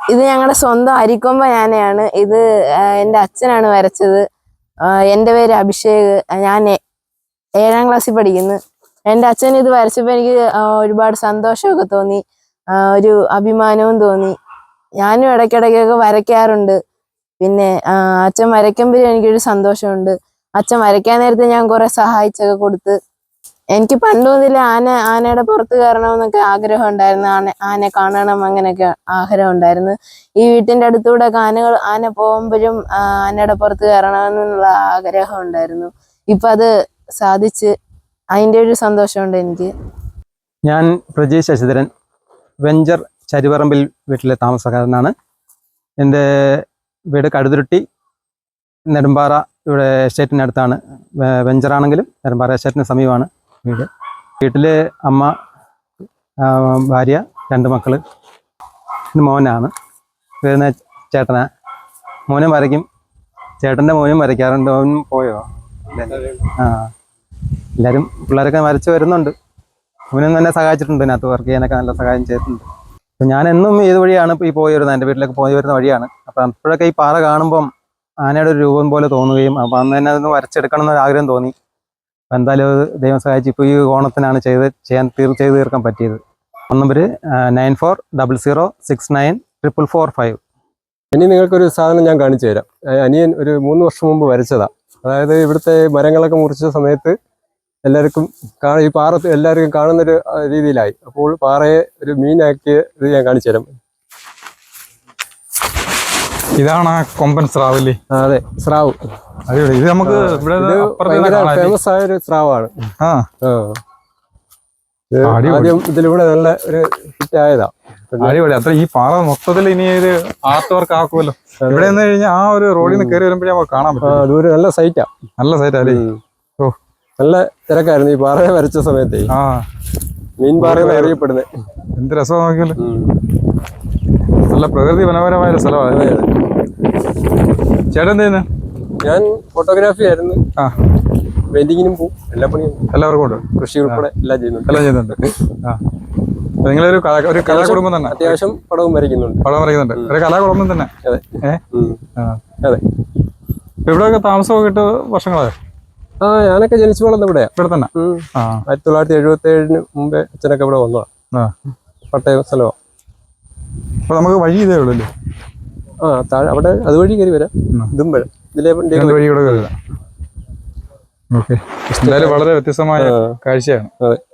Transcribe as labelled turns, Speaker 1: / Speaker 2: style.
Speaker 1: ഇത് ഞങ്ങളുടെ സ്വന്തം അരിക്കൊമ്പ ഞാനയാണ്. ഇത് എൻ്റെ അച്ഛനാണ് വരച്ചത്. എൻ്റെ പേര് അഭിഷേക്. ഞാൻ 7ാം ക്ലാസ്സിൽ പഠിക്കുന്നു. എൻ്റെ അച്ഛൻ ഇത് വരച്ചപ്പോൾ എനിക്ക് ഒരുപാട് സന്തോഷമൊക്കെ തോന്നി, ഒരു അഭിമാനവും തോന്നി. ഞാനും ഇടയ്ക്കിടയ്ക്കൊക്കെ വരയ്ക്കാറുണ്ട്. പിന്നെ അച്ഛൻ വരയ്ക്കുമ്പോഴും എനിക്കൊരു സന്തോഷമുണ്ട്. അച്ഛൻ വരയ്ക്കാൻ നേരത്തെ ഞാൻ കുറെ സഹായിച്ചൊക്കെ കൊടുത്ത്. എനിക്ക് പണ്ട് മുതലേ ആനയുടെ പുറത്ത് കയറണമെന്നൊക്കെ ആഗ്രഹം ഉണ്ടായിരുന്നു. ആനയെ കാണണം അങ്ങനെയൊക്കെ ആഗ്രഹം ഉണ്ടായിരുന്നു. ഈ വീട്ടിൻ്റെ അടുത്തൂടെ ആന പോകുമ്പോഴും ആനയുടെ പുറത്ത് കയറണമെന്നുള്ള ആഗ്രഹം ഉണ്ടായിരുന്നു. ഇപ്പം അത് സാധിച്ച്, അതിൻ്റെ ഒരു സന്തോഷമുണ്ട് എനിക്ക്.
Speaker 2: ഞാൻ പ്രജീഷ് ശശിധരൻ, വെഞ്ചർ ചരിപറമ്പിൽ വീട്ടിലെ താമസക്കാരനാണ്. എൻ്റെ വീട് കടുതുരുട്ടി നെടുമ്പാറ ഇവിടെ എസ്റ്റേറ്റിനടുത്താണ്. വെഞ്ചറാണെങ്കിലും നെടുമ്പാറ എസ്റ്റേറ്റിന് സമീപമാണ് വീട്. വീട്ടിൽ അമ്മ, ഭാര്യ, 2 മക്കൾ, മോനാണ്. വരുന്ന ചേട്ടനാ. മോനും വരയ്ക്കും, ചേട്ടൻ്റെ മോനും വരയ്ക്കാറുണ്ട്. മോനും പോയോ? എല്ലാവരും പിള്ളേരൊക്കെ വരച്ച് വരുന്നുണ്ട്. മോനും തന്നെ സഹായിച്ചിട്ടുണ്ട്, ഇതിനകത്ത് വർക്ക് ചെയ്യാനൊക്കെ നല്ല സഹായം ചെയ്തിട്ടുണ്ട്. അപ്പം ഞാൻ എന്നും ഇത് വഴിയാണ് ഈ പോയി വരുന്നത്, എൻ്റെ വീട്ടിലേക്ക് പോയി വരുന്ന വഴിയാണ്. അപ്പം അപ്പോഴൊക്കെ ഈ പാറ കാണുമ്പം ആനയുടെ ഒരു രൂപം പോലെ തോന്നുകയും അപ്പം അന്ന് തന്നെ അതൊന്ന് വരച്ചെടുക്കണം എന്നൊരു ആഗ്രഹം തോന്നി. അപ്പം എന്തായാലും ദൈവം സഹായിച്ച് ഇപ്പോൾ ഈ ഓണത്തിനാണ് ചെയ്യാൻ തീർക്കാൻ പറ്റിയത്. നമ്പർ 9400694445.
Speaker 3: ഇനി നിങ്ങൾക്കൊരു സാധനം ഞാൻ കാണിച്ചു തരാം. അനിയൻ ഒരു 3 വർഷം മുമ്പ് വരച്ചതാണ്. അതായത് ഇവിടുത്തെ മരങ്ങളൊക്കെ മുറിച്ച സമയത്ത് എല്ലാവർക്കും ഈ പാറ എല്ലാവർക്കും കാണുന്നൊരു രീതിയിലായി. അപ്പോൾ പാറയെ ഒരു മീനാക്കിയ ഇത് ഞാൻ കാണിച്ചു തരാം.
Speaker 4: ഇതാണ് കൊമ്പൻ സ്രാവ് അല്ലേ?
Speaker 3: അതെ, സ്രാവ്.
Speaker 4: ഇത് നമുക്ക്
Speaker 3: ഫേമസ് ആയ ഒരു സ്രാവാണ്. ആദ്യം ഇതിലൂടെ നല്ല ഒരു ഹിറ്റ് ആയതാ.
Speaker 4: അടിപൊളി. അത്ര ഈ പാറ മൊത്തത്തിൽ ഇനി ഒരു ആർട്ട് വർക്ക് ആക്കുമല്ലോ. ഇവിടെ നിന്ന് കഴിഞ്ഞാൽ ആ ഒരു റോഡിൽ നിന്ന് കയറി വരുമ്പോഴേ നമുക്ക് കാണാൻ പറ്റും.
Speaker 3: അതൊരു നല്ല സൈറ്റാ.
Speaker 4: നല്ല സൈറ്റാ അല്ലേ? ഓ,
Speaker 3: നല്ല തിരക്കായിരുന്നു ഈ പാറയെ വരച്ച സമയത്തേ. മീൻ പാറ അറിയപ്പെടുന്നത്.
Speaker 4: എന്ത് രസമാണ് നോക്കിയല്ലോ. നല്ല പ്രകൃതി മനോഹരമായ ഒരു സ്ഥലമാണ്. ചേട്ടൻ എന്ത് ചെയ്യുന്നു?
Speaker 3: ഞാൻ ഫോട്ടോഗ്രാഫി ആയിരുന്നു. പെയിന്റിങ്ങിനും പോവും, എല്ലാ പണിയും
Speaker 4: എല്ലാവർക്കും ഉണ്ട്.
Speaker 3: കൃഷി ഉൾപ്പെടെ എല്ലാം
Speaker 4: ചെയ്യുന്നുണ്ട്. നിങ്ങളൊരു കലാകുടുംബം തന്നെ.
Speaker 3: അത്യാവശ്യം പടവും വരയ്ക്കുന്നുണ്ട്.
Speaker 4: ഒരു കലാകുടുംബം തന്നെ.
Speaker 3: അതെ. അതെ.
Speaker 4: ഇവിടെയൊക്കെ താമസമൊക്കെ ഇട്ട് വർഷങ്ങളായോ?
Speaker 3: ഞാനൊക്കെ ജനിച്ചു വളർന്ന ഇവിടെ
Speaker 4: തന്നെ.
Speaker 3: 1977 മുമ്പേ അച്ഛനൊക്കെ ഇവിടെ വന്നതാ. പട്ടയം സ്ഥലമാണ്.
Speaker 4: അപ്പൊ നമുക്ക് വഴി ഇതേ ഉള്ളൂ.
Speaker 3: താഴെ അവിടെ അതുവഴി കയറി വരാം. ഇതും വരാം.
Speaker 4: വഴി കൂടെ കയറി വരാം. ഓക്കെ. എന്തായാലും വളരെ വ്യത്യസ്തമായ കാഴ്ചയാണ്.
Speaker 3: അതെ.